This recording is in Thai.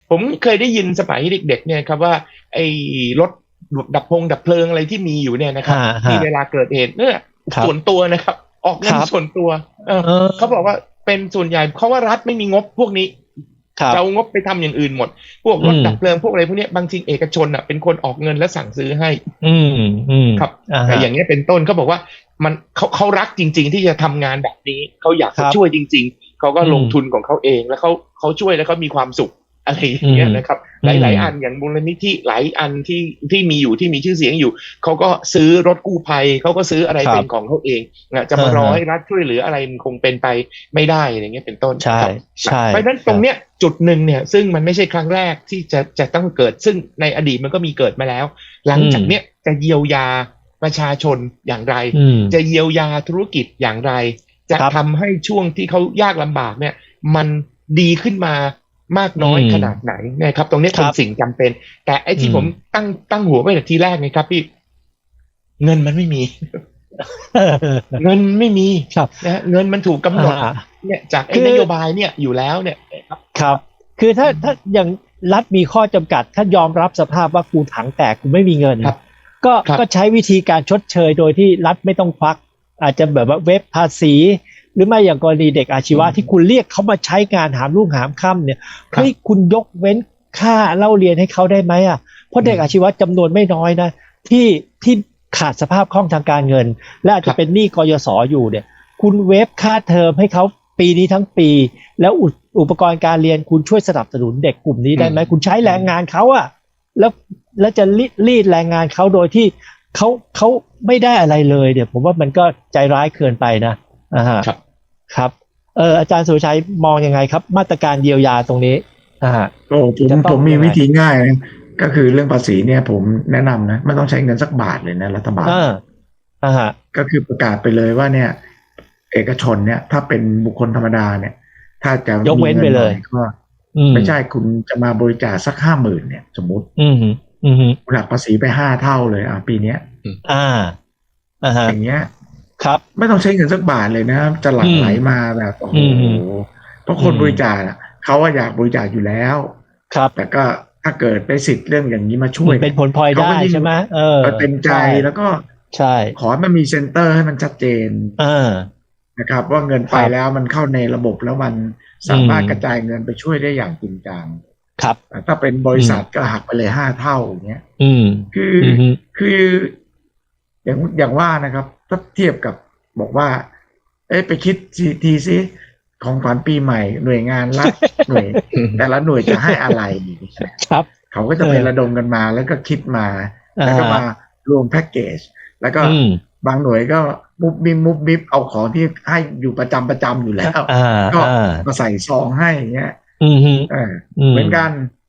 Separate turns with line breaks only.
ผมเคยได้ยินสมัยเด็กๆเนี่ยครับว่าไอ้รถดับเพลิงอะไรที่มีอยู่เนี่ยนะครับ
ฮะ
ที่
ฮะ
เวลาเกิดเหตุเนี่ยส่วน
ครับ
ตัวนะครับออก
ค
เงิน
รับ
ส่วนตัว
เอ
เขาบอก
อ
ว่าเป็นส่วนใหญ่เพราะว่ารัฐไม่มีงบพวกนี้
ครับ
จะเอางบไปทำอย่างอื่นหมดพวก
อืม
รถดับเพลิงพวกอะไรพวกเนี้ยบางทีเอกชนอ่ะเป็นคนออกเงินและสั่งซื้อให้
อืมอืม
ครับ
อ่าฮะ
แต่อย่างเงี้ยเป็นต้นเขาบอกว่ามันเขารักจริงๆที่จะทำงานแบบนี้เขาอยาก
ครับ
จะช่วยจริงๆเขาก็
อืม
ลงทุนของเขาเองแล้วเขาช่วยแล้วเขามีความสุขอะไรอ
อื
ย่าง
ม
เงี้ยนะครับ
อืม
หลายๆอันอย่างมูลนิธิหลายอันที่มีอยู่ที่มีชื่อเสียงอยู่เขาก็ซื้อรถกู้ภัยเขาก็ซื้ออะไรเป็นของ
ครับ
เขาเองนะจะ
อ่าฮะ
มารอให้รัฐช่วยเหลืออะไรมันคงเป็นไปไม่ได้อย่างเงี้ยเป็นต้น
ใช่
ครับนะ
ใช่
เพราะฉะนั้น
ครับ
ตรงเนี้ยจุดหนึ่งเนี่ยซึ่งมันไม่ใช่ครั้งแรกที่จะต้องเกิดซึ่งในอดีตมันก็มีเกิดมาแล้วหลัง
อืม
จากเนี้ยจะเยียวยาประชาชนอย่างไร
อืม
จะเยียวยาธุรกิจอย่างไรจะ
ครับ
ทำให้ช่วงที่เขายากลำบากเนี่ยมันดีขึ้นมามาก
อื
น้อย
ม
ขนาดไหนนะครับตรงนี้
ครับ
เป็นสิ่งจำเป็นแต่ไอ้
อืม
ที่ผมตั้งหัวไว้แต่ทีแรกนะครับพี่เงินมันไม่มี เงินไม่มี
ครับ
นะฮะเงินมันถูกกำ
อ่
หนด
า
เนี่ยจากไอ้
คือ
นโยบายเนี่ยอยู่แล้วเนี่ยครับ
ครับคือถ้าอย่างรัฐมีข้อจำกัดถ้ายอมรับสภาพว่ากูถังแตกกูไม่มีเงิน
ครับ
ก็
ครับ
ก็ใช้วิธีการชดเชยโดยที่รัฐไม่ต้องควักอาจจะแบบว่าเว็บภาษีหรือไม่อย่างกรณีเด็กอาชีวะที่คุณเรียกเขามาใช้งานหามรุ่งหามค่ำเนี่ย
ครั
เฮ้ย
บ
คุณยกเว้นค่าเล่าเรียนให้เขาได้ไหมอ่ะเพราะเด็กอาชีวะจำนวนไม่น้อยนะที่ขาดสภาพคล่องทางการเงินและอาจจะเป็นหนี้กยศอยู่เนี่ย คุณเวฟค่าเทอมให้เขาปีนี้ทั้งปีแล้วอุปกรณ์การเรียนคุณช่วยสนับสนุนเด็กกลุ่มนี้ได้ไหมคุณใช้แรงงานเขาอะแล้วแล้วจะรีดแรงงานเขาโดยที่เขาไม่ได้อะไรเลยเดี๋ยวผมว่ามันก็ใจร้ายเกินไปนะอ่าฮะ
ครับ
ครับอาจารย์สุรชัยมองยังไงครับมาตรการเยียวยาตรงนี้อ่าฮะ
ก็ผม
จะต้องยังไง
ผมมีวิธีง่ายนะก็คือเรื่องภาษีเนี่ยผมแนะนำนะไม่ต้องใช้เงินสักบาทเลยนะรัฐบาล
อ่าอ่าฮะ
ก็คือประกาศไปเลยว่าเนี่ยเอกชนเนี่ยถ้าเป็นบุคคลธรรมดาเนี่ยถ้าจะ
ยก
มีเงินหน่อย
เว้นไปเลย
ก็
อืม
ไม่ใช่คุณจะมาบริจาคสัก50,000เนี่ยสมมติ
อืมอืม
คุณหักภาษีไป5 เท่าเลยปีเนี้ย
อ่าอ่าฮะ
อย่างเงี้ย
ครับ
ไม่ต้องใช้เงินสักบาทเลยนะจะหลั่
อืม
งไหลมาแบบโอ้โห
อืม
เพราะ
อื
คนบริ
ม
จาคอะเขาว่าอยากบริจาคอยู่แล้ว
ครับ
แต่ก็ถ้าเกิดได้สิทธิ์เรื่องอย่างนี้มาช่วยเนี่ย
มันเป็นผลพลอยได้
เขาก็ยิ่ง
ใช่ไหม
เต็มใจ
ใช่
แล้วก็
ใช่
ขอให้มันมีเซ็นเตอร์ให้มันชัดเจน
อ่า
นะครับว่าเงินไป
ครับ
แล้วมันเข้าในระบบแล้วมัน
อื
สามารถกระจาย
ม
เงินไปช่วยได้อย่างจริงจัง
ครับ
ถ้าเป็นบ
อืม
ริษัทก็หักไปเลย5 เท่าอย่างเงี้ย
อืม
คือ
อืม
คืออย่างว่านะครับถ้าเทียบกับบอกว่าไปคิดทีซิของขวัญปีใหม่หน่วยงานรัฐหน่วยแต่ละหน่วยจะให้อะไร
ครับ
เขาก็
เออ
จะไประดมกันมาแล้วก็คิดมา
อ่
แล้วก็มา
า
รวมแพ็กเกจแล้วก็
อืม
บางหน่วยก็มุบมิบเอาของที่ให้อยู่ประจำอยู่แล้ว
อ่า
ก็
อ่า
มาใส่ซองให้อย่างเงี้ย
อืม
เออ
อืม
เหมือนกัน